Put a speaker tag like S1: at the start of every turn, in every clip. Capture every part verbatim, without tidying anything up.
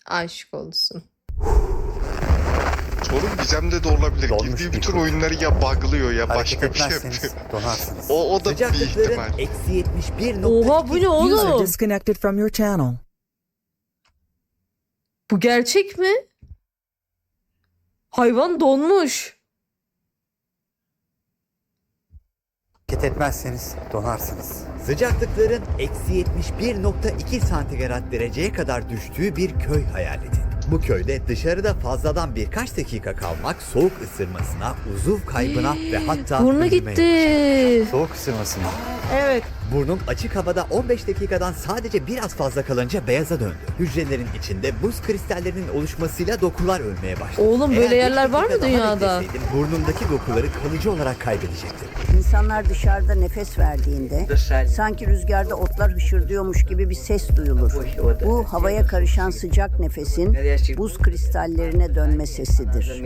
S1: Aşık olsun.
S2: Sorun Gizem'de de olabilir.
S3: Dolmuş
S2: Girdiği
S3: bir
S2: bütün
S3: kuru.
S2: oyunları ya buglıyor ya
S3: Hareket
S2: başka bir şey
S3: etmezseniz
S2: yapıyor.
S3: donarsınız.
S2: O, o da bir
S4: Sıcaklıkların
S2: ihtimal.
S4: eksi yetmiş bir
S1: Oha bu ne
S5: User
S1: oğlum?
S5: disconnected from your channel.
S1: Bu gerçek mi? Hayvan donmuş.
S3: Hareket etmezseniz donarsınız.
S4: Sıcaklıkların eksi yetmiş bir nokta iki santigrat dereceye kadar düştüğü bir köy hayal edin. Bu köyde dışarıda fazladan birkaç dakika kalmak soğuk ısırmasına, uzuv kaybına ve hatta
S1: Burnu
S4: ölüme yol
S1: gitti.
S3: Soğuk ısırması mı?
S4: Evet. Burnum açık havada on beş dakikadan sadece biraz fazla kalınca beyaza döndü. Hücrelerin içinde buz kristallerinin oluşmasıyla dokular ölmeye başladı.
S1: Oğlum, böyle
S4: Eğer beş
S1: yerler var mı
S4: dakika daha
S1: dünyada?
S4: bekleseydim, burnumdaki dokuları kalıcı olarak kaybedecektim.
S6: İnsanlar dışarıda nefes verdiğinde sanki rüzgarda otlar hışırdıyormuş gibi bir ses duyulur. Bu havaya karışan sıcak nefesin buz kristallerine dönme sesidir.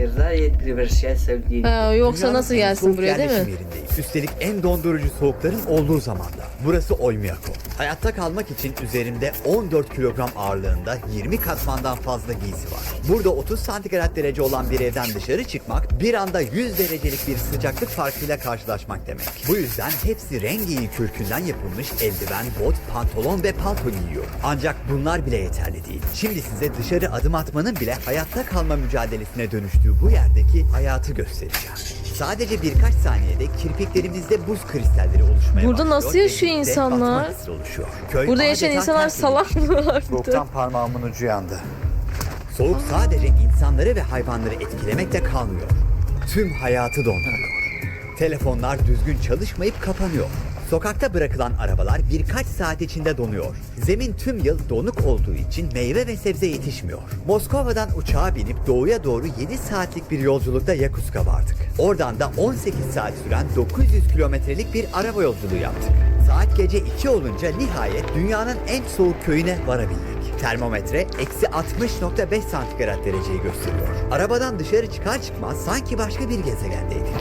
S1: Ha, yoksa
S4: Dünyanın
S1: nasıl
S4: en
S1: gelsin
S4: soğuk
S1: buraya değil mi?
S4: yerleşim yerindeyiz. Üstelik en dondurucu soğukların olduğu zamanda. Burası Oymyakon. Hayatta kalmak için üzerimde on dört kilogram ağırlığında yirmi katmandan fazla giysi var. Burada otuz santigrat derece olan bir evden dışarı çıkmak bir anda yüz derecelik bir sıcaklık farkıyla karşılaşmak demek. Bu yüzden hepsi rengi kürkünden yapılmış eldiven, bot, pantolon ve palto giyiyor. Ancak bunlar bile yeterli değil. Şimdi size dışarı adım atmanın bile hayatta kalma mücadelesine dönüştüğü bu yerdeki hayatı göstereceğim. Sadece birkaç saniyede kirpiklerimizde buz kristalleri oluşmaya
S1: Burada
S4: başlıyor
S1: nasıl
S4: ve
S1: yaşıyor
S4: birlikte
S1: insanlar?
S4: batma hissi oluşuyor. Köy
S1: Burada yaşayan
S4: adeta
S1: insanlar
S4: terk
S1: salak
S4: edilmiş.
S1: mı vardı?
S3: Soğuktan parmağımın ucu yandı.
S4: Soğuk sadece insanları ve hayvanları etkilemekle kalmıyor. Tüm hayatı donduruyor. Telefonlar düzgün çalışmayıp kapanıyor. Sokakta bırakılan arabalar birkaç saat içinde donuyor. Zemin tüm yıl donuk olduğu için meyve ve sebze yetişmiyor. Moskova'dan uçağa binip doğuya doğru yedi saatlik bir yolculukta Yakutsk'a vardık. Oradan da on sekiz saat süren dokuz yüz kilometrelik bir araba yolculuğu yaptık. Saat gece iki olunca nihayet dünyanın en soğuk köyüne varabildik. Termometre eksi altmış nokta beş santigrat dereceyi gösteriyor. Arabadan dışarı çıkar çıkmaz sanki başka bir gezegendeydik.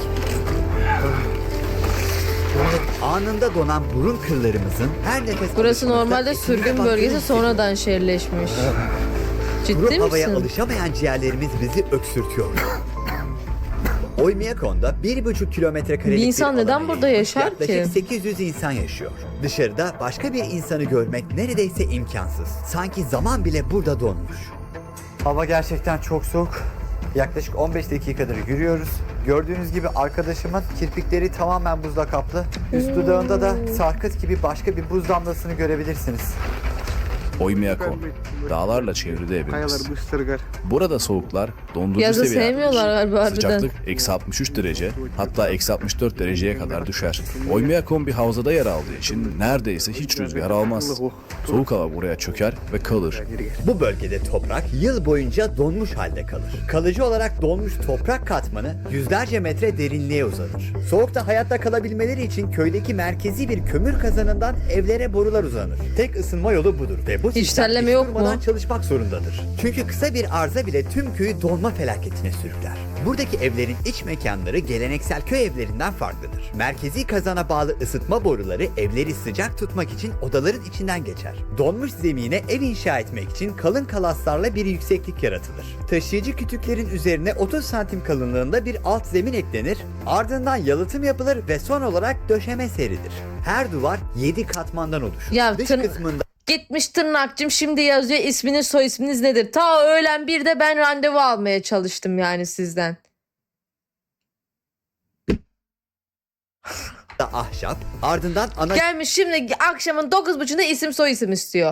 S4: Anında donan burun kıllarımızın her nefes
S1: Burası
S4: alışımızda
S1: normalde
S4: esinde
S1: sürgün
S4: baktığını
S1: bölgesi,
S4: hissediyoruz.
S1: sonradan şehirleşmiş. Ciddi
S4: Kuru havaya
S1: misin?
S4: alışamayan ciğerlerimiz bizi öksürtüyor. Oymyakon'da bir buçuk kilometre karelik
S1: Bir insan
S4: bir
S1: neden
S4: alana
S1: burada
S4: yayılmış
S1: yaşar
S4: yaklaşık
S1: ki?
S4: sekiz yüz insan yaşıyor. Dışarıda başka bir insanı görmek neredeyse imkansız. Sanki zaman bile burada donmuş.
S3: Hava gerçekten çok soğuk. Yaklaşık on beş dakikadır yürüyoruz. Gördüğünüz gibi arkadaşımın kirpikleri tamamen buzla kaplı. Üst dudağında da sarkıt gibi başka bir buz damlasını görebilirsiniz.
S7: Oymyakon, dağlarla çevrili evimiz. Burada soğuklar dondurucu
S1: Yazı
S7: seviyelerde.
S1: sevmiyorlar galiba harbiden.
S7: Sıcaklık eksi altmış üç derece, hatta eksi altmış dört dereceye kadar düşer. Oymyakon bir havzada yer aldığı için neredeyse hiç rüzgar almaz. Soğuk hava buraya çöker ve kalır.
S4: Bu bölgede toprak yıl boyunca donmuş halde kalır. Kalıcı olarak donmuş toprak katmanı yüzlerce metre derinliğe uzanır. Soğukta hayatta kalabilmeleri için köydeki merkezi bir kömür kazanından evlere borular uzanır. Tek ısınma yolu budur ve bu
S1: Hiç
S4: sistem
S1: terleme
S4: hiç
S1: yok mu?
S4: durmadan çalışmak zorundadır. Çünkü kısa bir arıza bile tüm köyü donma felaketine sürükler. Buradaki evlerin iç mekanları geleneksel köy evlerinden farklıdır. Merkezi kazana bağlı ısıtma boruları evleri sıcak tutmak için odaların içinden geçer. Donmuş zemine ev inşa etmek için kalın kalaslarla bir yükseklik yaratılır. Taşıyıcı kütüklerin üzerine otuz santim kalınlığında bir alt zemin eklenir, ardından yalıtım yapılır ve son olarak döşeme serilir. Her duvar yedi katmandan oluşur.
S1: Ya
S4: Dış
S1: tırn-
S4: kısmında
S1: Gitmiş tırnakçım, şimdi yazıyor isminiz soy isminiz nedir? Ta öğlen bir de ben randevu almaya çalıştım yani sizden.
S4: ahşap, ardından ana
S1: Gelmiş şimdi akşamın dokuz buçuğunda isim soy isim istiyor.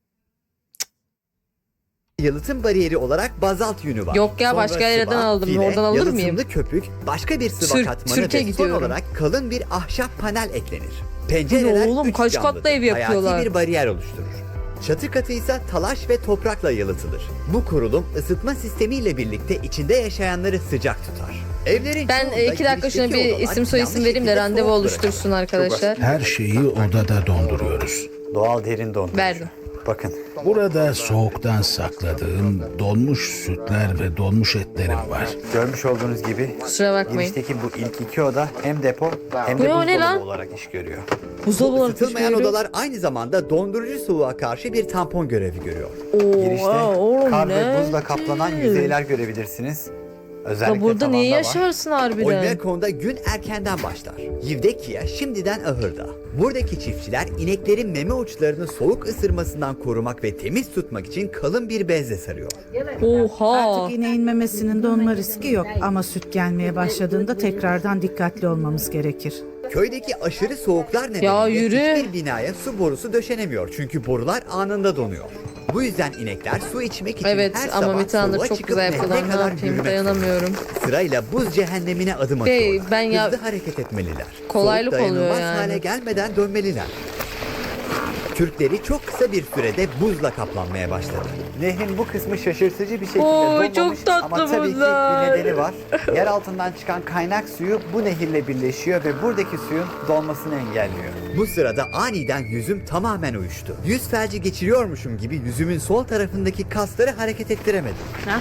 S4: yalıtım bariyeri olarak bazalt yünü var.
S1: Yok ya,
S4: Sonra
S1: başka yerden
S4: sıva,
S1: aldım.
S4: file,
S1: Oradan alır mıyım?
S4: yalıtımlı köpük, başka bir sıva
S1: Sür-
S4: katmanı
S1: sürke
S4: ve son
S1: gidiyorum.
S4: olarak kalın bir ahşap panel eklenir. Pencereler
S1: oğlum,
S4: üç
S1: kaç
S4: camlıdır.
S1: katlı ev yapıyorlar?
S4: Hayati bir bariyer oluşturur. Çatı katı ise talaş ve toprakla yalıtılır. Bu kurulum ısıtma sistemiyle birlikte içinde yaşayanları sıcak tutar. Evlerin
S1: Ben
S4: çoğunda
S1: e, iki dakika şuna
S4: girişteki
S1: bir
S4: odalar
S1: isim soy
S4: yanlış
S1: isim vereyim de
S4: şekilde
S1: randevu
S4: soğuk
S1: oluştursun arkadaşlar.
S8: Her şeyi odada donduruyoruz.
S3: Doğal derin dondurucu.
S1: Verdim.
S3: Bakın.
S8: Burada soğuktan sakladığım donmuş sütler ve donmuş etlerim var.
S3: Görmüş olduğunuz gibi
S1: Kusura bakmayın.
S3: girişteki bu ilk iki oda hem depo hem
S1: Bu
S3: de
S1: ne, o ne lan?
S3: buzdolabı olarak iş görüyor.
S1: Buzdolabı olarak
S4: Isıtılmayan
S1: düşünüyorum.
S4: odalar aynı zamanda dondurucu soğuğa karşı bir tampon görevi görüyor.
S1: Oo,
S3: Girişte
S1: oğlum,
S3: kar kar ve
S1: ne?
S3: buzla kaplanan yüzeyler görebilirsiniz. Özellikle
S1: Ya burada niye
S3: tavanda var.
S1: yaşarsın harbiden?
S4: Oymyakon'da gün erkenden başlar. Yivdekiya şimdiden ahırda. Buradaki çiftçiler ineklerin meme uçlarını soğuk ısırmasından korumak ve temiz tutmak için kalın bir bezle sarıyor.
S1: Oha.
S5: Artık ineğin memesinin donma riski yok ama süt gelmeye başladığında tekrardan dikkatli olmamız gerekir.
S4: Köydeki aşırı soğuklar nedeniyle
S1: Ya yürü.
S4: hiçbir binaya su borusu döşenemiyor çünkü borular anında donuyor. Bu yüzden inekler su içmek için
S1: Evet
S4: her
S1: ama
S4: sabah
S1: bir tane
S4: soğuğa
S1: çok
S4: çıkıp
S1: güzel
S4: nehre
S1: yapıyorlar. Ne
S4: kadar
S1: yapayım
S4: yürümek
S1: dayanamıyorum.
S4: zorunda. Sırayla buz cehennemine adım
S1: Bey,
S4: atıyorlar.
S1: ben ya-
S4: Hızlı hareket etmeliler.
S1: Kolaylık
S4: Soğuk
S1: oluyor
S4: dayanılmaz
S1: yani.
S4: hale gelmeden dönmeliler. Kürkleri çok kısa bir sürede buzla kaplanmaya başladı.
S3: Nehrin bu kısmı şaşırtıcı bir şekilde
S1: Oy,
S3: donmamış
S1: çok tatlı
S3: ama tabii ki
S1: bunlar.
S3: bir nedeni var. Yer altından çıkan kaynak suyu bu nehirle birleşiyor ve buradaki suyun donmasını engelliyor.
S4: Bu sırada aniden yüzüm tamamen uyuştu. Yüz felci geçiriyormuşum gibi yüzümün sol tarafındaki kasları hareket ettiremedim.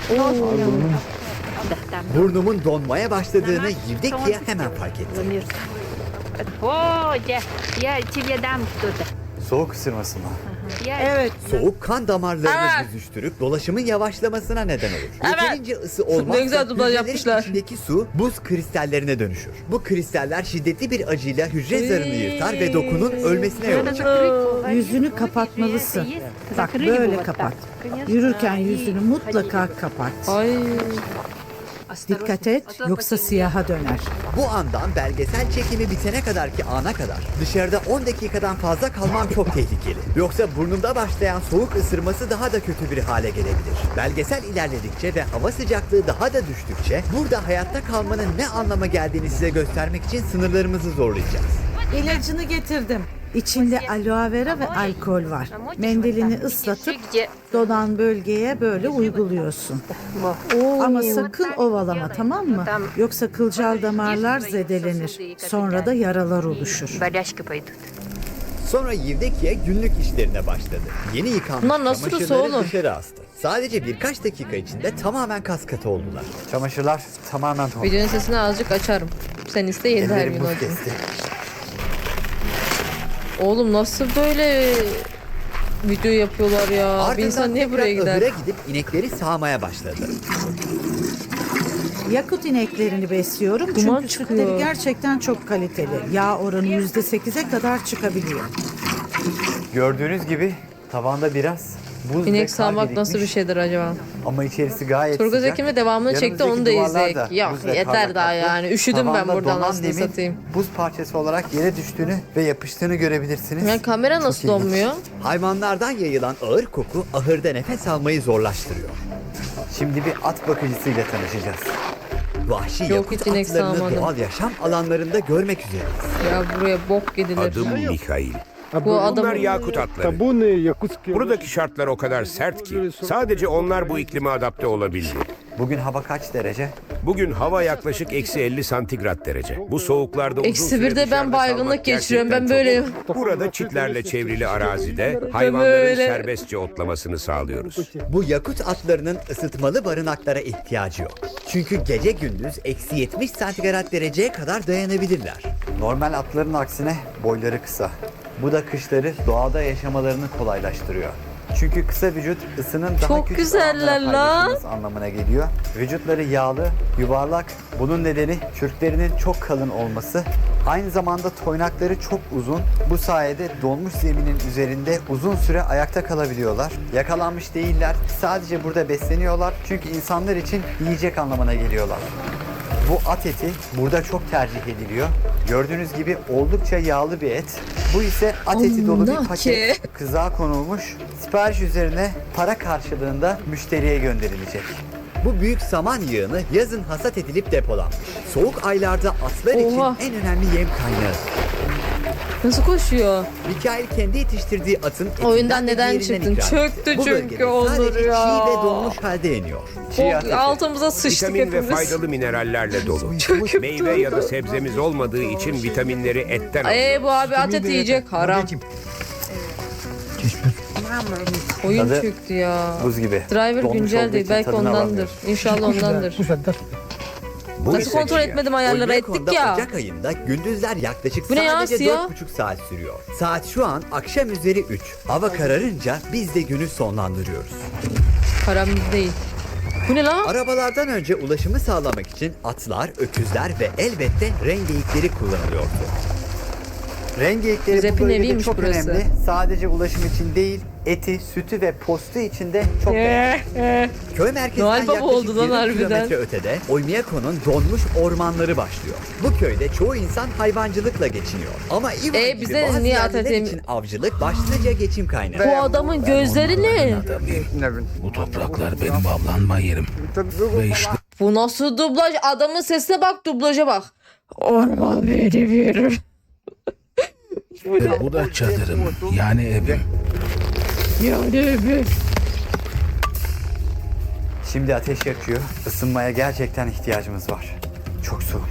S4: Burnumun donmaya başladığını Yivdekiya hemen fark etti.
S9: О, я, я тебе дам что-то.
S3: Soğuk ısırması mı?
S9: Я...
S5: Evet,
S4: Soğuk kan damarlarını
S1: Evet.
S4: büzüştürüp dolaşımın yavaşlamasına neden olur. Yeterince ısı olmazsa
S1: Ne güzel dublaj
S4: hücrelerin
S1: yapmışlar.
S4: içindeki su buz kristallerine dönüşür. Bu kristaller şiddetli bir acıyla hücre zarını yırtar ve dokunun ölmesine yol açar.
S5: yüzünü kapatmalısın. Bak böyle kapat. Yürürken yüzünü mutlaka kapat.
S1: Ay.
S5: Dikkat et yoksa siyaha döner.
S4: Bu andan belgesel çekimi bitene kadarki ana kadar dışarıda on dakikadan fazla kalmam çok tehlikeli. Yoksa burnumda başlayan soğuk ısırması daha da kötü bir hale gelebilir. Belgesel ilerledikçe ve hava sıcaklığı daha da düştükçe burada hayatta kalmanın ne anlama geldiğini size göstermek için sınırlarımızı zorlayacağız.
S5: İlacını getirdim. İçinde aloe vera ve alkol var. Mendilini ıslatıp donan bölgeye böyle uyguluyorsun. Ama sakın ovalama, tamam mı? Yoksa kılcal damarlar zedelenir. Sonra da yaralar oluşur.
S9: Болячки paydos.
S4: Sonra Yivdekiye günlük işlerine başladı. Yeni yıkanmış
S1: Bunlar nasıl
S4: çamaşırları
S1: ısı oğlum?
S4: dışarı astı. Sadece birkaç dakika içinde tamamen kas katı oldular.
S3: Çamaşırlar tamamen dondu.
S1: Videonun sesini azıcık açarım. Sen iste yeni her
S3: Ellerim
S1: gün
S3: buz
S1: olsun.
S3: kesti.
S1: Oğlum nasıl böyle video yapıyorlar ya? Bir
S4: Ardından
S1: insan niye
S4: tekrar
S1: buraya gider?
S4: ahıra gidip inekleri sağmaya başladı.
S5: Yakut ineklerini besliyorum
S1: Duman
S5: çünkü
S1: çıkıyor.
S5: sütleri gerçekten çok kaliteli. Yağ oranı yüzde sekize kadar çıkabiliyor.
S3: Gördüğünüz gibi tavanda biraz buz ve
S1: İnek
S3: kar
S1: sağmak nasıl bir
S3: birikmiş.
S1: şeydir acaba?
S3: Ama içerisi gayet
S1: Turgaz
S3: sıcak.
S1: Ekim'e devamını çekti, onu da
S3: Yanımızdaki duvarlar
S1: izleyek.
S3: da
S1: Yok,
S3: buz ve
S1: yeter
S3: karla
S1: daha
S3: kaplı.
S1: yani. Üşüdüm ben
S3: Tavanda
S1: buradan
S3: donan
S1: aslında
S3: nemin
S1: satayım.
S3: Buz parçası olarak yere düştüğünü ve yapıştığını görebilirsiniz.
S1: Yani kamera
S3: Çok
S1: nasıl
S3: ilginç.
S1: donmuyor?
S4: Hayvanlardan yayılan ağır koku ahırda nefes almayı zorlaştırıyor.
S3: Şimdi bir at bakıcısıyla tanışacağız.
S4: Vahşi
S1: Yok,
S4: yakut
S1: hiç inek
S4: atlarını
S1: sağmadım.
S4: doğal yaşam alanlarında görmek üzereyiz.
S1: Ya buraya bok gidilir.
S10: Adım Mihail.
S1: Bu adam
S10: Bunlar yakut atları. Buradaki şartlar o kadar sert ki sadece onlar bu iklime adapte olabildi.
S3: Bugün hava kaç derece?
S10: Bugün hava yaklaşık eksi elli santigrat derece. Bu soğuklarda uzun
S1: Eksi
S10: süre
S1: birde ben
S10: dışarıda
S1: baygınlık
S10: kalmak
S1: geçiriyorum. Ben
S10: gerçekten
S1: böyleyim.
S10: çok zor. Burada çitlerle çevrili arazide hayvanların
S1: böyle.
S10: serbestçe otlamasını sağlıyoruz.
S4: Bu yakut atlarının ısıtmalı barınaklara ihtiyacı yok. Çünkü gece gündüz eksi yetmiş santigrat dereceye kadar dayanabilirler.
S3: Normal atların aksine boyları kısa. Bu da kışları doğada yaşamalarını kolaylaştırıyor. Çünkü kısa vücut ısının daha
S1: Çok
S3: küçük
S1: güzeller
S3: alanlara
S1: lan.
S3: paylaşılması anlamına geliyor. Vücutları yağlı, yuvarlak. Bunun nedeni kürklerinin çok kalın olması. Aynı zamanda toynakları çok uzun. Bu sayede donmuş zeminin üzerinde uzun süre ayakta kalabiliyorlar. Yakalanmış değiller. Sadece burada besleniyorlar. Çünkü insanlar için yiyecek anlamına geliyorlar. Bu at eti burada çok tercih ediliyor. Gördüğünüz gibi oldukça yağlı bir et. Bu ise at eti dolu bir
S1: Anlaki.
S3: paket. Kızağa konulmuş. Sipariş üzerine para karşılığında müşteriye gönderilecek.
S4: Bu büyük saman yığını yazın hasat edilip depolanmış. Soğuk aylarda atlar
S1: Oha.
S4: için en önemli yem kaynağı.
S1: Nasıl koşuyor?
S4: Mikail kendi yetiştirdiği atın etinden
S1: Oyundan
S4: ve
S1: neden
S4: diğerinden
S1: çıktın?
S4: ikram
S1: Çöktü
S4: etti. Bu
S1: çünkü
S4: bölgede
S1: Onur
S4: sadece
S1: ya.
S4: çiğ ve donmuş halde yeniyor.
S3: Çiğ at
S1: O,
S3: eti.
S1: altımıza sıçtık
S10: Vitamin ve
S1: hepimiz.
S10: faydalı minerallerle dolu. Meyve ya da sebzemiz olmadığı için vitaminleri etten alıyoruz.
S1: Eee bu abi at eti yiyecek, haram. Oyun
S3: Tadı
S1: çöktü ya.
S3: Buz gibi.
S1: Driver
S3: Donmuş
S1: güncel
S3: olduğu
S1: değil,
S3: için
S1: belki
S3: tadını
S1: ondandır.
S3: alamıyoruz.
S1: İnşallah ondandır.
S10: Bu
S1: Nasıl
S10: ise
S1: kontrol
S10: ciğer.
S1: etmedim ayarları ettik
S4: Oynakon'da
S1: ya.
S4: Ocak ayında gündüzler yaklaşık
S1: Bu ne ya,
S4: sadece
S1: siyah?
S4: dört buçuk saat sürüyor. Saat şu an akşam üzeri üç. Hava kararınca biz de günü sonlandırıyoruz.
S1: Param değil. Bu ne lan?
S4: Arabalardan önce ulaşımı sağlamak için atlar, öküzler ve elbette rengeyikleri kullanılıyordu.
S3: Rengeyikleri bu
S1: Zep'in
S3: bölgede
S1: eviymiş
S3: çok
S1: burası.
S3: önemli. Sadece ulaşım için değil, eti, sütü ve postu için de çok önemli.
S4: Köy merkezinden
S1: Noel Baba
S4: yaklaşık
S1: oldu lan
S4: yirmi
S1: harbiden.
S4: kilometre ötede Oymyako'nun donmuş ormanları başlıyor. Bu köyde çoğu insan hayvancılıkla geçiniyor. Ama Ivan
S1: E,
S4: gibi
S1: bize
S4: bazı
S1: niye
S4: yerliler
S1: Atatürk-
S4: için avcılık başlıca geçim kaynağı.
S1: Bu adamın gözleri ne?
S8: Adamım. Bu topraklar benim avlanma yerim. Ve işte
S1: Bu nasıl dublaj? Adamın sesine bak, dublaja bak. Orman benim yerim.
S8: bu da çadırım. Yani evim.
S1: Yani evim.
S3: Şimdi ateş yakıyor. Isınmaya gerçekten ihtiyacımız var. Çok soğuk.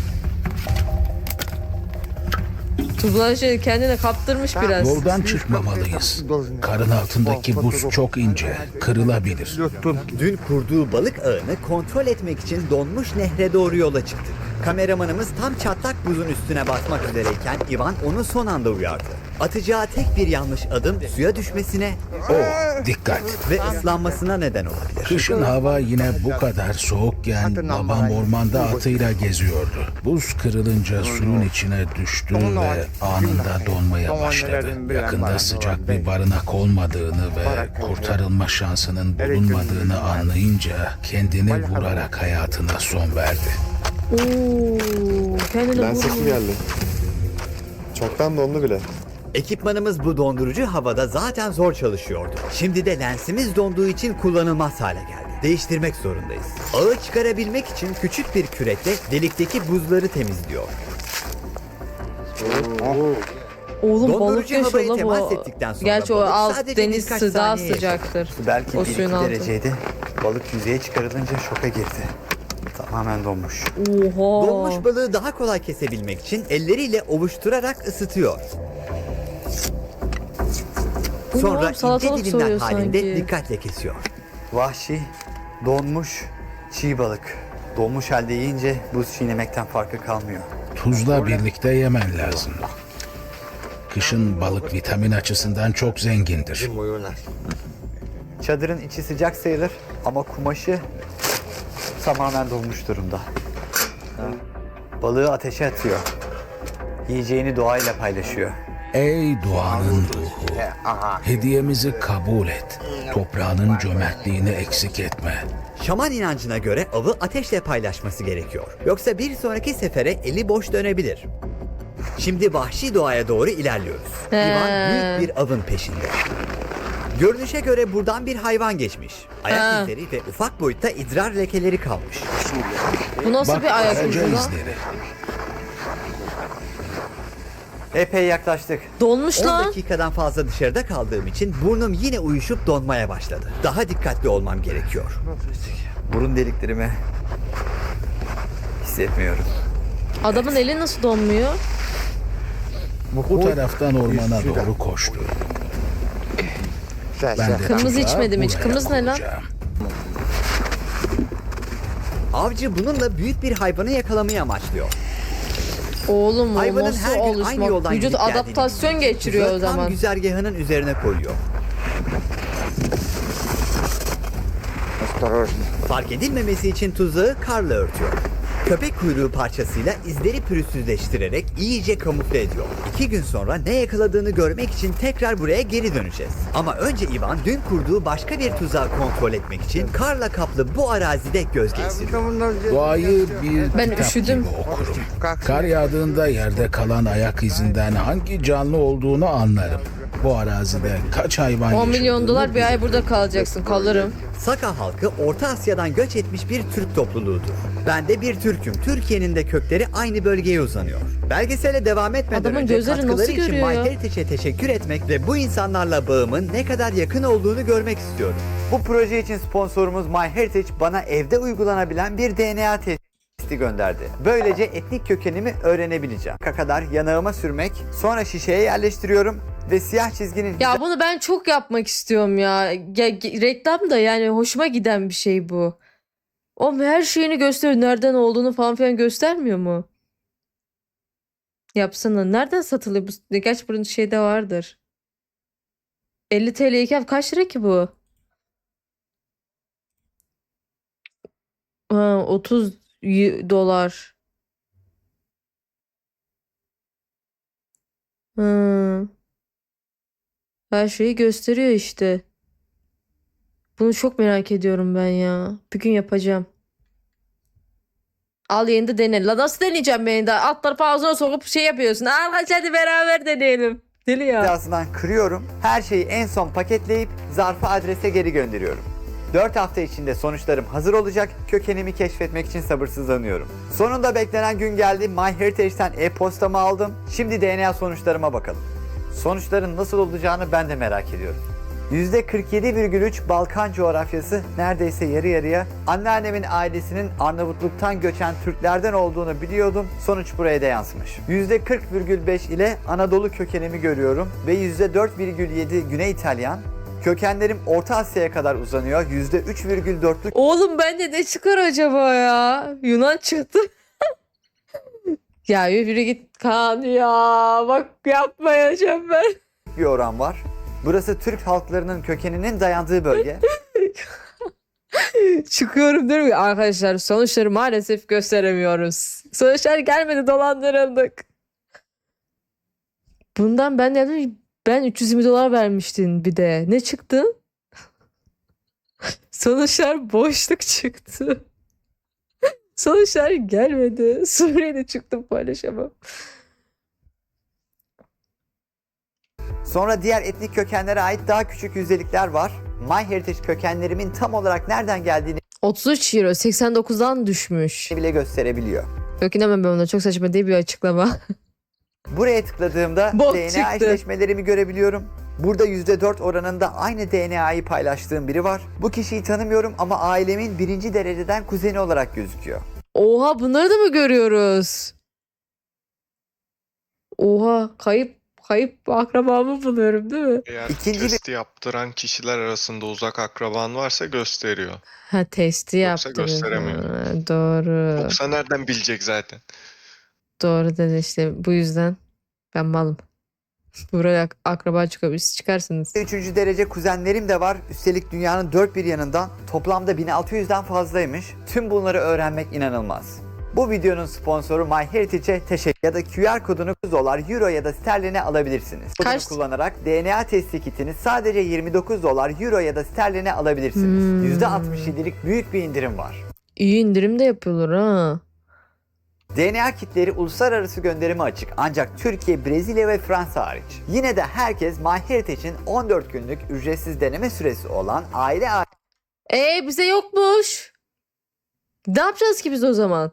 S1: Dublajı kendine kaptırmış biraz.
S8: Yoldan çıkmamalıyız. Karın altındaki buz çok ince. Kırılabilir.
S4: Dün kurduğu balık ağını kontrol etmek için donmuş nehre doğru yola çıktık. Kameramanımız tam çatlak buzun üstüne basmak üzereyken Ivan onu son anda uyardı. Atacağı tek bir yanlış adım suya düşmesine
S8: Oh, dikkat.
S4: ve ıslanmasına neden olabilir.
S8: Kışın hava yine bu kadar soğukken babam ormanda atıyla geziyordu. Buz kırılınca suyun içine düştü ve anında donmaya başladı. Yakında sıcak bir barınak olmadığını ve kurtarılma şansının bulunmadığını anlayınca kendini vurarak hayatına son verdi.
S1: Oo, kendine
S2: Ben sesi
S1: vurmuyor.
S2: geldi. Çoktan dondu bile.
S4: Ekipmanımız bu dondurucu havada zaten zor çalışıyordu. Şimdi de lensimiz donduğu için kullanılmaz hale geldi. Değiştirmek zorundayız. Ağı çıkarabilmek için küçük bir kürekle delikteki buzları temizliyor.
S1: Oğlum balık
S4: Dondurucu
S1: yaşıyor
S4: havaya
S1: lan
S4: temas
S1: bu.
S4: ettikten sonra
S1: Gerçi o
S4: balık
S1: alt
S4: sadece
S1: deniz
S4: birkaç
S1: su daha
S4: saniye yaşar.
S1: sıcaktır.
S3: Su belki
S1: O
S3: bir iki
S1: suyun altı.
S3: dereceydi. Balık yüzeye çıkarılınca şoka girdi. Tamamen donmuş.
S1: Oha.
S4: Donmuş balığı daha kolay kesebilmek için elleriyle ovuşturarak ısıtıyor.
S1: Bu ne
S4: Sonra
S1: oğlum?
S4: ince
S1: Salatalık
S4: dilimler
S1: soyuyor
S4: halinde
S1: sanki.
S4: dikkatle kesiyor.
S3: Vahşi, donmuş, çiğ balık. Donmuş halde yiyince buz çiğnemekten farkı kalmıyor.
S8: Tuzla birlikte yemen lazım. Kışın balık vitamin açısından çok zengindir.
S3: Çadırın içi sıcak sayılır ama kumaşı tamamen donmuş durumda. Balığı ateşe atıyor. Yiyeceğini doğayla paylaşıyor.
S8: Ey doğanın ruhu, hediyemizi kabul et. Toprağının cömertliğini eksik etme.
S4: Şaman inancına göre avı ateşle paylaşması gerekiyor. Yoksa bir sonraki sefere eli boş dönebilir. Şimdi vahşi doğaya doğru ilerliyoruz.
S1: He.
S4: Ivan büyük bir avın peşinde. Görünüşe göre buradan bir hayvan geçmiş. Ayak
S1: Ha.
S4: izleri ve ufak boyutta idrar lekeleri kalmış.
S1: Bu nasıl
S8: Bak
S1: bir ayak
S8: karaca
S1: izi lan?
S8: izleri.
S3: Epey yaklaştık.
S1: Donmuş
S4: on
S1: lan.
S4: dakikadan fazla dışarıda kaldığım için burnum yine uyuşup donmaya başladı. Daha dikkatli olmam gerekiyor.
S3: Burun deliklerimi hissetmiyorum.
S1: Adamın eli nasıl donmuyor?
S8: Bu taraftan ormana doğru koştu. Ben de
S1: Kırmızı
S8: tuzağı
S1: içmedim hiç.
S8: buraya
S1: Kırmızı ne lan?
S8: kuracağım.
S4: Avcı bununla büyük bir hayvanı yakalamayı amaçlıyor.
S1: Oğlum o
S4: Hayvanın
S1: nasıl
S4: her gün aynı
S1: oluşmak?
S4: yoldan
S1: Vücut
S4: gidip geldiğini
S1: adaptasyon
S4: biliyor.
S1: geçiriyor o
S4: Tuzağı Tam
S1: zaman.
S4: güzergahının üzerine koyuyor. Fark edilmemesi için tuzağı karla örtüyor. Köpek kuyruğu parçasıyla izleri pürüzsüzleştirerek iyice kamufle ediyor. İki gün sonra ne yakaladığını görmek için tekrar buraya geri döneceğiz. Ama önce Ivan dün kurduğu başka bir tuzağı kontrol etmek için karla kaplı bu arazide göz gezdiriyor.
S8: Doğayı bir
S1: Ben
S8: kitap
S1: üşüdüm.
S8: gibi okurum. Kar yağdığında yerde kalan ayak izinden hangi canlı olduğunu anlarım. Bu arazide kaç hayvan
S1: on milyon
S8: yaşadığını
S1: dolar bir ay
S8: bilirim.
S1: burada kalacaksın. Kalırım.
S4: Saka halkı Orta Asya'dan göç etmiş bir Türk topluluğudur. Ben de bir Türk'üm. Türkiye'nin de kökleri aynı bölgeye uzanıyor. Belgesele devam etmeden
S1: Adamın
S4: önce
S1: gözleri
S4: katkıları
S1: nasıl
S4: için
S1: görüyor ya?
S4: MyHeritage'e teşekkür etmek ve bu insanlarla bağımın ne kadar yakın olduğunu görmek istiyorum.
S3: Bu proje için sponsorumuz MyHeritage bana evde uygulanabilen bir D N A testi gönderdi. Böylece etnik kökenimi öğrenebileceğim. Kadar yanağıma sürmek, sonra şişeye yerleştiriyorum ve siyah çizginin
S1: Ya bunu ben çok yapmak istiyorum ya. Ya, ge- reklam da yani hoşuma giden bir şey bu. O her şeyini gösteriyor. Nereden olduğunu falan filan göstermiyor mu? Yapsana. Nereden satılıyor bu? Gerçi bunun şeyde vardır. elli T L iken kaç lira ki bu? Ha, otuz y- dolar. Hı. Her şeyi gösteriyor işte. Bunu çok merak ediyorum ben ya. Bir gün yapacağım. Al yeni de dene. La nasıl deneyeceğim ben de? Alt tarafı ağzına sokup şey yapıyorsun. Arkadaşlar hadi beraber deneyelim. Deli ya.
S3: Birazdan kırıyorum. Her şeyi en son paketleyip zarfı adrese geri gönderiyorum. dört hafta içinde sonuçlarım hazır olacak. Kökenimi keşfetmek için sabırsızlanıyorum. Sonunda beklenen gün geldi. MyHeritage'den e-postamı aldım. Şimdi D N A sonuçlarıma bakalım. Sonuçların nasıl olacağını ben de merak ediyorum. yüzde kırk yedi virgül üç Balkan coğrafyası, neredeyse yarı yarıya. Anneannemin ailesinin Arnavutluk'tan göçen Türklerden olduğunu biliyordum. Sonuç buraya da yansımış. yüzde kırk virgül beş ile Anadolu kökenimi görüyorum ve yüzde dört virgül yedi Güney İtalyan. Kökenlerim Orta Asya'ya kadar uzanıyor. yüzde üç virgül dörtlük
S1: Oğlum bende ne çıkar acaba ya? Yunan çıktı. Ya yürü git Kaan ya. Bak yapmayacağım ben.
S3: bir oran var. Burası Türk halklarının kökeninin dayandığı bölge.
S1: Çıkıyorum diyorum ki arkadaşlar sonuçları maalesef gösteremiyoruz. Sonuçlar gelmedi, dolandırıldık. Bundan ben dedim ben üç yüz yirmi dolar vermiştin bir de. Ne çıktı? Sonuçlar boşluk çıktı. Sonuçlar gelmedi. Suriye'de çıktım, paylaşamam.
S3: Sonra diğer etnik kökenlere ait daha küçük yüzdelikler var. MyHeritage kökenlerimin tam olarak nereden geldiğini
S1: otuz üç euro seksen dokuzdan düşmüş.
S3: bile gösterebiliyor.
S1: Yok inanmam ben ona, çok saçma değil bir açıklama.
S3: Buraya tıkladığımda
S1: Bok
S3: D N A
S1: çıktı.
S3: eşleşmelerimi görebiliyorum. Burada yüzde dört oranında aynı D N A'yı paylaştığım biri var. Bu kişiyi tanımıyorum ama ailemin birinci dereceden kuzeni olarak gözüküyor.
S1: Oha, bunları da mı görüyoruz? Oha, kayıp kayıp akrabamı buluyorum değil mi?
S2: Eğer
S3: İkinci bir-
S2: testi yaptıran kişiler arasında uzak akraban varsa gösteriyor.
S1: Ha, testi
S2: Yoksa
S1: yaptı.
S2: gösteremiyor.
S1: Ha, doğru.
S2: Yoksa nereden bilecek zaten?
S1: Doğru dedi işte, bu yüzden ben malım. Buraya ak- akraba çıkıyor. Siz çıkarsınız.
S3: Üçüncü derece kuzenlerim de var. Üstelik dünyanın dört bir yanından. Toplamda bin altı yüzden fazlaymış. Tüm bunları öğrenmek inanılmaz. Bu videonun sponsoru MyHeritage'e teşekkür ya da Q R kodunu dolar, euro ya da sterline alabilirsiniz. Kodunu
S1: Kaç-
S3: kullanarak D N A testi kitini sadece yirmi dokuz dolar, euro ya da sterline alabilirsiniz.
S1: Hmm.
S3: yüzde altmış yedilik büyük bir indirim var.
S1: İyi indirim de yapıyorlar ha.
S3: D N A kitleri uluslararası gönderime açık ancak Türkiye, Brezilya ve Fransa hariç. Yine de herkes MyHeritage'in on dört günlük ücretsiz deneme süresi olan aile
S1: Ee bize yokmuş. Ne yapacağız ki biz o zaman?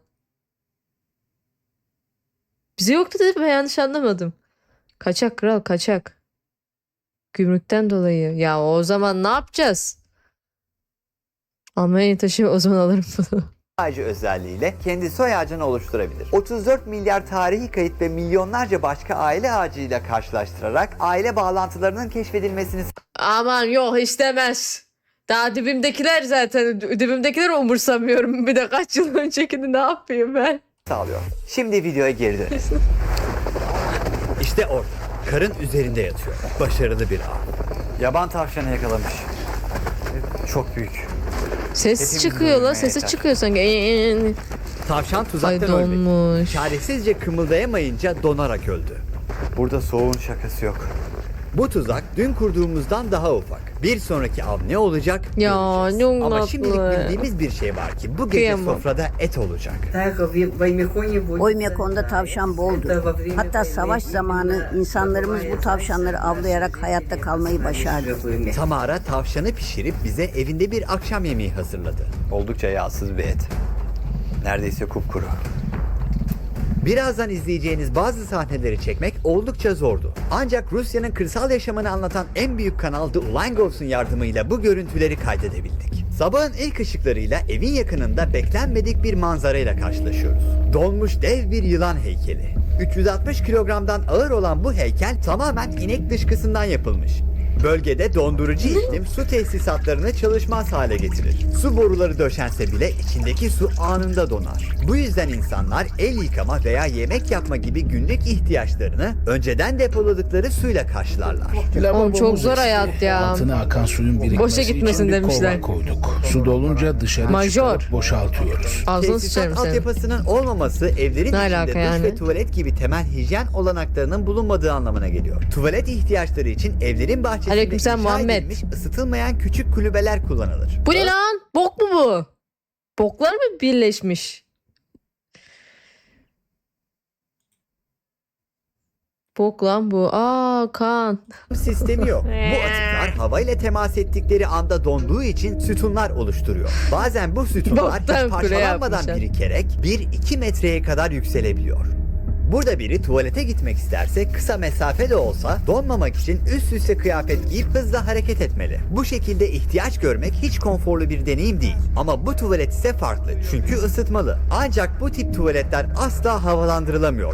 S1: Bize yoktu dedim, ben yanlış anlamadım. Kaçak kral, kaçak. Gümrükten dolayı. Ya o zaman ne yapacağız? Almanya'ya taşı, o zaman alırım bunu.
S3: ağacı özelliğiyle kendi soy ağacını oluşturabilir. otuz dört milyar tarihi kayıt ve milyonlarca başka aile ağacıyla karşılaştırarak aile bağlantılarının keşfedilmesini
S1: Aman yok, istemez. Daha dibimdekiler zaten. Dibimdekileri umursamıyorum. Bir de kaç yıl öncekini ne yapayım ben?
S3: sağlıyor. Şimdi videoya geri dönelim.
S4: İşte orada, karın üzerinde yatıyor. Başarılı bir av.
S3: Yaban tavşanı yakalamış. Çok büyük.
S1: Ses
S3: Hepimiz
S1: çıkıyor la.
S3: görmeye
S1: Sesi
S3: yeter.
S1: çıkıyor sanki. Eee.
S4: Tavşan
S1: Ay
S4: tuzaktan ölmedi.
S1: donmuş.
S4: Çaresizce kımıldayamayınca donarak öldü.
S3: Burada soğuğun şakası yok.
S4: Bu tuzak dün kurduğumuzdan daha ufak. Bir sonraki av ne olacak?
S1: Ya,
S4: göreceğiz.
S1: çok
S4: Ama
S1: tatlı.
S4: şimdilik bildiğimiz bir şey var ki bu gece
S1: Kıyamam.
S4: sofrada et olacak.
S6: Oymyakon'da tavşan boldu. Hatta savaş zamanı insanlarımız bu tavşanları avlayarak hayatta kalmayı başardı.
S4: Tamara tavşanı pişirip bize evinde bir akşam yemeği hazırladı.
S3: Oldukça yağsız bir et. Neredeyse kupkuru.
S4: Birazdan izleyeceğiniz bazı sahneleri çekmek oldukça zordu. Ancak Rusya'nın kırsal yaşamını anlatan en büyük kanal The Ulangovs'un yardımıyla bu görüntüleri kaydedebildik. Sabahın ilk ışıklarıyla evin yakınında beklenmedik bir manzarayla karşılaşıyoruz. Donmuş dev bir yılan heykeli. üç yüz altmış kilogramdan ağır olan bu heykel tamamen inek dışkısından yapılmış. Bölgede dondurucu iklim su tesisatlarını çalışmaz hale getirir. Su boruları döşense bile içindeki su anında donar. Bu yüzden insanlar el yıkama veya yemek yapma gibi günlük ihtiyaçlarını önceden depoladıkları suyla karşılarlar.
S1: Oğlum çok zor hayat ya.
S8: Altına akan suyun birikmesi
S1: gitmesin
S8: için bir
S1: demişler.
S8: kova koyduk. Su dolunca dışarı
S1: Major.
S8: çıkarıp boşaltıyoruz.
S1: Ağzını sıçarım
S4: Tesisat
S1: senin.
S4: altyapısının olmaması evlerin
S1: Ne
S4: içinde
S1: alaka
S4: duş
S1: yani?
S4: ve tuvalet gibi temel hijyen olanaklarının bulunmadığı anlamına geliyor. Tuvalet ihtiyaçları için evlerin bahçesinde
S1: Aleykümselam
S4: inşa
S1: Muhammed.
S4: edilmiş ısıtılmayan küçük kulübeler kullanılır.
S1: Bu ne lan? Bok mu bu? Boklar mı birleşmiş? Bok lan bu. Aa kan.
S4: Sistemi yok. Bu atıklar havayla temas ettikleri anda donduğu için sütunlar oluşturuyor. Bazen bu sütunlar
S1: Boktan
S4: hiç
S1: kule
S4: parçalanmadan
S1: yapmışlar.
S4: birikerek bir iki metreye kadar yükselebiliyor. Burada biri tuvalete gitmek isterse kısa mesafe de olsa donmamak için üst üste kıyafet giyip hızla hareket etmeli. Bu şekilde ihtiyaç görmek hiç konforlu bir deneyim değil. Ama bu tuvalet ise farklı çünkü ısıtmalı. Ancak bu tip tuvaletler asla havalandırılamıyor.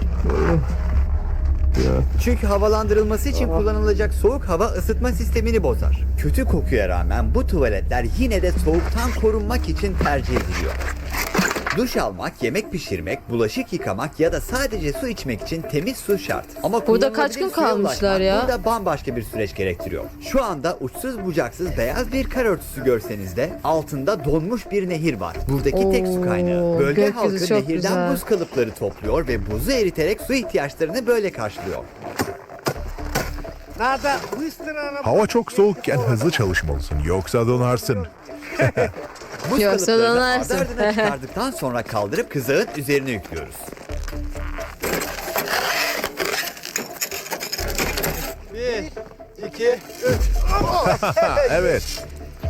S4: Çünkü havalandırılması için kullanılacak soğuk hava ısıtma sistemini bozar. Kötü kokuya rağmen bu tuvaletler yine de soğuktan korunmak için tercih ediliyor. Duş almak, yemek pişirmek, bulaşık yıkamak ya da sadece su içmek için temiz su şart. Ama
S1: Burada kaç gün
S4: kullanılabilir suya
S1: kalmışlar
S4: ulaşmak
S1: ya?
S4: Burada bambaşka bir süreç gerektiriyor. Şu anda uçsuz bucaksız beyaz bir kar örtüsü görseniz de altında donmuş bir nehir var. Buradaki tek su kaynağı.
S1: Oo,
S4: Bölge
S1: gökyüzü
S4: halkı
S1: çok
S4: nehirden
S1: güzel.
S4: buz kalıpları topluyor ve buzu eriterek su ihtiyaçlarını böyle karşılıyor.
S11: Hava çok soğukken hızlı çalışmalısın yoksa donarsın.
S4: Buz
S1: Yoksa
S4: kalıplarını
S1: donarsın.
S4: ardı ardına çıkardıktan sonra kaldırıp kızağın üzerine yüklüyoruz.
S11: Evet.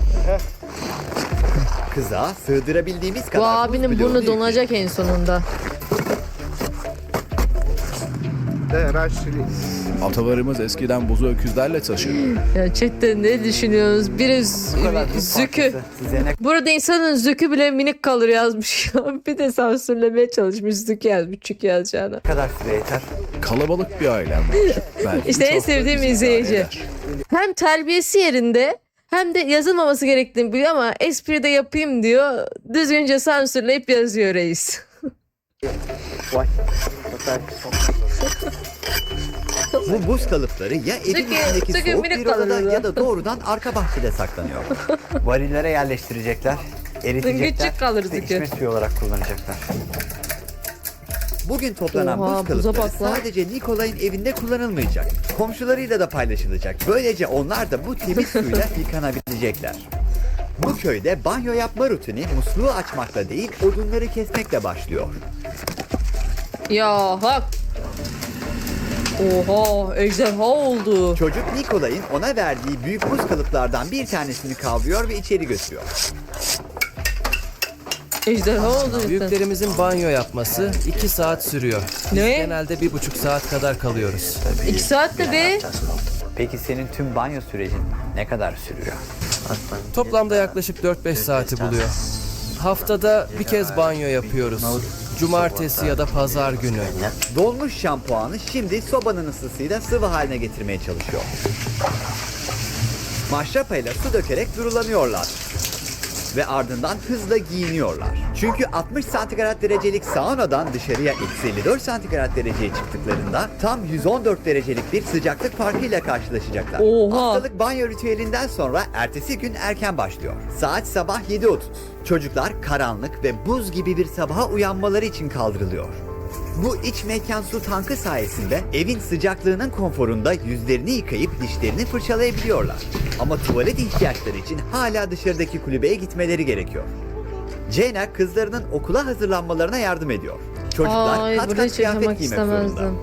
S4: Kızağa sığdırabildiğimiz kadar
S1: Bu
S4: buz
S1: abinin
S4: bloğunu
S1: burnu
S4: yüklüyoruz.
S1: donacak en sonunda.
S7: Atalarımız eskiden buzu öküzlerle taşırdı.
S1: Ya chatte ne düşünüyorsunuz? Biri
S3: Bu kadar
S1: z-
S3: çok
S1: zükü.
S3: farklısı size ne
S1: Burada insanın zükü bile minik kalır yazmış. Bir de sansürlemeye çalışmış zükü yazmış çük yazacağına.
S3: kadar süre yeter?
S7: Kalabalık bir ailem var. Belki
S1: İşte en
S7: çok da
S1: sevdiğim
S7: bizi
S1: izleyici.
S7: idare eder.
S1: Hem terbiyesi yerinde hem de yazılmaması gerektiğini biliyor ama espri de yapayım diyor. Düzgünce sansürleyip yazıyor reis.
S4: Bu buz kalıpları ya evin
S1: Zükü-
S4: içindeki
S1: zükü
S4: soğuk
S1: minik
S4: bir odada
S1: kalır
S4: ya da doğrudan arka bahçede saklanıyor.
S3: Varillere yerleştirecekler, eritecekler
S1: Küçük kalır
S3: ve
S1: zükü.
S3: içme suyu olarak kullanacaklar.
S4: Bugün toplanan
S1: Oha,
S4: buz
S1: buza
S4: kalıpları
S1: bak lan.
S4: sadece Nikolay'ın evinde kullanılmayacak. Komşularıyla da paylaşılacak. Böylece onlar da bu temiz suyla yıkanabilecekler. Bu köyde banyo yapma rutini musluğu açmakla değil odunları kesmekle başlıyor.
S1: Ya hak. Oha ejderha oldu.
S4: Çocuk Nikolay'ın ona verdiği büyük buz kalıplardan bir tanesini kavrıyor ve içeri götürüyor.
S1: Ejderha oldu cidden.
S12: Büyüklerimizin banyo yapması iki saat sürüyor. Biz
S1: Ne?
S12: genelde bir buçuk saat kadar kalıyoruz.
S1: İki saatte be.
S3: Peki senin tüm banyo sürecin ne kadar sürüyor?
S12: Toplamda yaklaşık dört beş saati buluyor. Haftada bir kez banyo yapıyoruz. Cumartesi ya da pazar günü.
S4: Donmuş şampuanı şimdi sobanın ısısıyla sıvı haline getirmeye çalışıyor. Maşrapayla su dökerek durulanıyorlar. Ve ardından hızla giyiniyorlar. Çünkü altmış santigrat derecelik saunadan dışarıya eksi elli dört santigrat dereceye çıktıklarında tam yüz on dört derecelik bir sıcaklık farkıyla karşılaşacaklar.
S1: Oha.
S4: Haftalık banyo ritüelinden sonra ertesi gün erken başlıyor. Saat sabah yedi otuz. Çocuklar karanlık ve buz gibi bir sabaha uyanmaları için kaldırılıyor. Bu iç mekan su tankı sayesinde evin sıcaklığının konforunda yüzlerini yıkayıp dişlerini fırçalayabiliyorlar. Ama tuvalet ihtiyaçları için hala dışarıdaki kulübeye gitmeleri gerekiyor. Jenna kızlarının okula hazırlanmalarına yardım ediyor. Çocuklar
S1: Ay
S4: kat
S1: burada
S4: kat
S1: hiç
S4: kıyafet
S1: yaşamak
S4: giymek zorunda.
S1: istemezdim.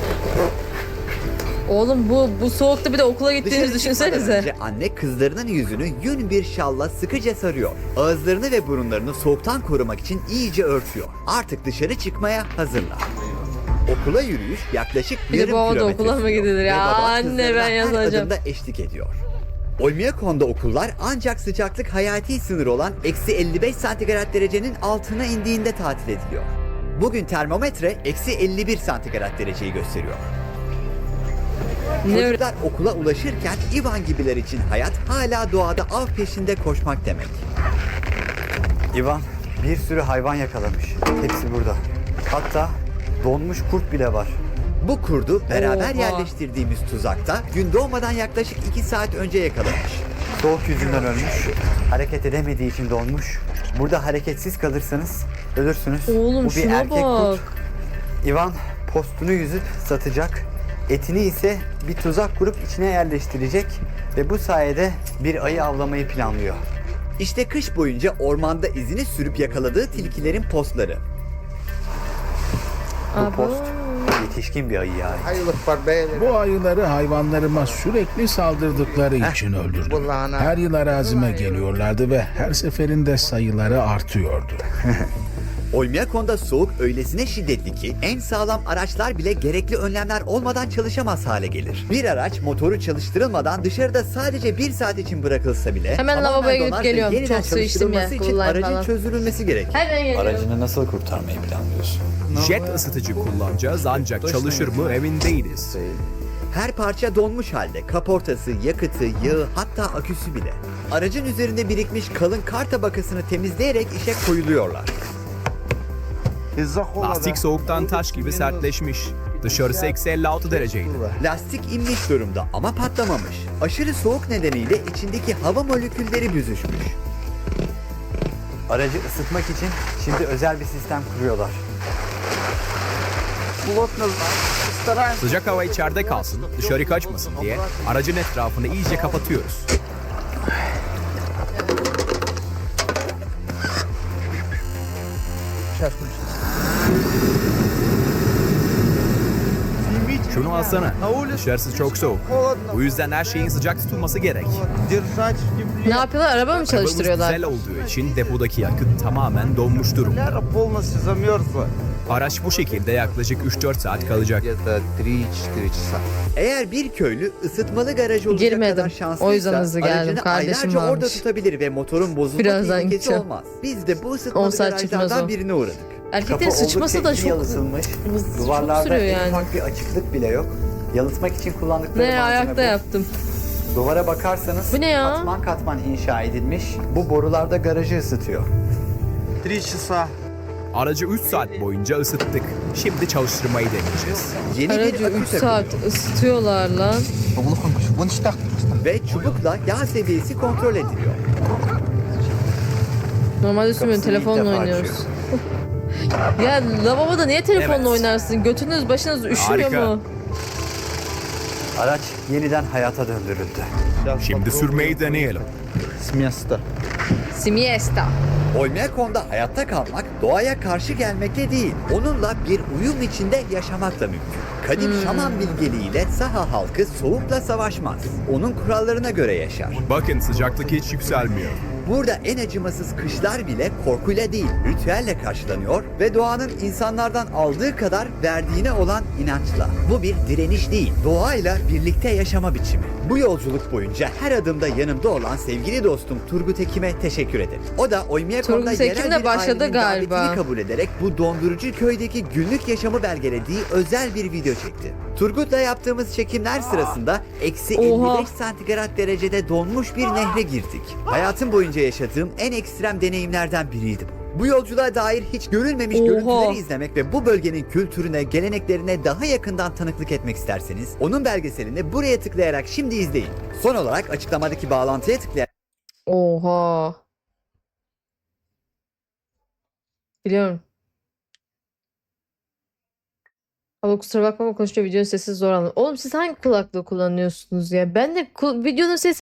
S1: Oğlum bu bu soğukta bir de okula gittiğinizi
S4: Dışarı çıkmadan
S1: düşünsenize.
S4: önce anne kızlarının yüzünü yün bir şalla sıkıca sarıyor. Ağızlarını ve burunlarını soğuktan korumak için iyice örtüyor. Artık dışarı çıkmaya hazırlar. Okula yürüyüş yaklaşık
S1: Bir de
S4: yarım
S1: bu havada
S4: kilometre
S1: okula mı
S4: sürüyor.
S1: gidilir
S4: Ve
S1: ya?
S4: baba
S1: Anne,
S4: kızlarına
S1: ben
S4: her
S1: yazacağım.
S4: adımda eşlik ediyor. Oymyakon'da okullar ancak sıcaklık hayati sınır olan eksi elli beş santigrat derecenin altına indiğinde tatil ediliyor. Bugün termometre eksi elli bir santigrat dereceyi gösteriyor.
S1: Ne öyle?
S4: Çocuklar okula ulaşırken Ivan gibiler için hayat hala doğada av peşinde koşmak demek.
S3: Ivan bir sürü hayvan yakalamış. Hepsi burada. Hatta donmuş kurt bile var.
S4: Bu kurdu beraber
S1: Oha.
S4: yerleştirdiğimiz tuzakta gün doğmadan yaklaşık iki saat önce yakalamış.
S3: Soğuk yüzünden ölmüş. Hareket edemediği için donmuş. Burada hareketsiz kalırsanız ölürsünüz.
S1: Oğlum
S3: Bu bir
S1: şuna
S3: erkek
S1: bak.
S3: kurt. Ivan postunu yüzüp satacak. Etini ise bir tuzak kurup içine yerleştirecek ve bu sayede bir ayı avlamayı planlıyor.
S4: İşte kış boyunca ormanda izini sürüp yakaladığı tilkilerin postları.
S3: Bu
S1: Abo.
S3: post yetişkin bir ayı yani.
S8: Bu ayıları hayvanlarıma sürekli saldırdıkları için öldürdüm. Her yıl arazime geliyorlardı ve her seferinde sayıları artıyordu.
S4: Oymyakon'da soğuk öylesine şiddetli ki en sağlam araçlar bile gerekli önlemler olmadan çalışamaz hale gelir. Bir araç motoru çalıştırılmadan dışarıda sadece bir saat için bırakılsa bile
S1: Hemen
S4: tamamen
S1: lavaboya gidip
S4: donar ve
S1: geliyorum.
S4: yeniden
S1: Çok su içtim ya,
S4: çalıştırılması için
S1: kullan
S4: aracın
S1: falan.
S4: çözülmesi gerek.
S1: Hemen geliyorum.
S3: Aracını nasıl kurtarmayı planlıyorsun?
S13: Jet ısıtıcı kullanacağız ancak çalışır mı emin değiliz.
S4: Her parça donmuş halde. Kaportası, yakıtı, yağı hatta aküsü bile. Aracın üzerinde birikmiş kalın kar tabakasını temizleyerek işe koyuluyorlar.
S13: Lastik soğuktan taş gibi sertleşmiş. Dışarısı eksi elli altı dereceydi.
S4: Lastik inmiş durumda ama patlamamış. Aşırı soğuk nedeniyle içindeki hava molekülleri büzüşmüş.
S3: Aracı ısıtmak için şimdi özel bir sistem kuruyorlar.
S13: Sıcak hava içeride kalsın, dışarı kaçmasın diye aracın etrafını iyice kapatıyoruz. Şunu alsana. Dışarısı çok soğuk. Bu yüzden her şeyin sıcak tutulması gerek.
S1: Ne yapıyorlar? Araba mı
S13: Arabamız
S1: çalıştırıyorlar?
S13: dizel olduğu için depodaki yakıt tamamen donmuş durumda. Araç bu şekilde yaklaşık üç dört saat kalacak.
S4: Eğer bir köylü ısıtmalı garaj olacak
S1: Girmedim.
S4: kadar şanslıysa
S1: O yüzden hızlı geldim.
S4: aracını
S1: Kardeşim
S4: aylarca orada
S1: varmış.
S4: tutabilir ve motorun bozulma
S1: Birazdan
S4: tehlikesi
S1: gideceğim.
S4: olmaz. Biz de bu
S1: on
S4: ısıtmalı
S1: saat çıkmaz
S4: garajlardan
S1: o.
S4: birine uğradık.
S1: Erkeklerin
S3: Kapı
S1: sıçması
S3: oldukça
S1: da
S3: iyi
S1: çok
S3: yalıtılmış.
S1: hız- çok
S3: Duvarlarda
S1: sürüyor
S3: en
S1: yani.
S3: ufak bir açıklık bile yok. Yalıtmak için kullandıkları
S1: Ne
S3: malzeme
S1: ayakta
S3: bu.
S1: yaptım.
S3: Duvara bakarsanız
S1: Bu ne ya?
S3: katman katman inşa edilmiş. Bu borularda garajı ısıtıyor.
S13: Aracı üç saat boyunca ısıttık. Şimdi çalıştırmayı deneyeceğiz.
S4: Yeni
S1: Aracı
S4: bir akü
S1: üç saat
S4: takılıyor
S1: ısıtıyorlar lan.
S4: ve çubukla yağ seviyesi kontrol ediliyor.
S1: Normalde sürmüyorum,
S3: Kapısını ilk
S1: telefonla
S3: defa
S1: oynuyoruz. Ya lavaboda niye telefonla
S13: Evet.
S1: oynarsın? Götünüz başınız üşümüyor
S13: Harika.
S1: mu?
S3: Araç yeniden hayata döndürüldü.
S13: Şimdi sürmeyi deneyelim.
S1: Siesta.
S4: Oymyakon'da hayatta kalmak doğaya karşı gelmekle değil, onunla bir uyum içinde yaşamakla mümkün. Kadim şaman bilgeliğiyle saha halkı soğukla savaşmaz. Onun kurallarına göre yaşar.
S13: Bakın sıcaklık hiç yükselmiyor.
S4: Burada en acımasız kışlar bile korkuyla değil, ritüelle karşılanıyor ve doğanın insanlardan aldığı kadar verdiğine olan inançla. Bu bir direniş değil, doğayla birlikte yaşama biçimi. Bu yolculuk boyunca her adımda yanımda olan sevgili dostum Turgut Ekim'e teşekkür ederim. O da Oymyakon'da
S1: Turgut Ekim
S4: yerel
S1: de
S4: bir
S1: başladı
S4: ailenin
S1: galiba.
S4: davetini kabul ederek bu dondurucu köydeki günlük yaşamı belgelediği özel bir video çekti. Turgut'la yaptığımız çekimler sırasında eksi
S1: Oha.
S4: elli beş santigrat derecede donmuş bir nehre girdik. Hayatım boyunca yaşadığım en ekstrem deneyimlerden biriydi bu. Bu yolculuğa dair hiç görülmemiş
S1: Oha.
S4: görüntüleri izlemek ve bu bölgenin kültürüne, geleneklerine daha yakından tanıklık etmek isterseniz onun belgeselini buraya tıklayarak şimdi izleyin. Son olarak açıklamadaki bağlantıya tıklayarak
S1: Oha. Biliyorum. Ama kusura bakma ama konuşuyor, videonun sesi zor anladım. Oğlum siz hangi kulaklığı kullanıyorsunuz ya? Ben de ku- videonun sesi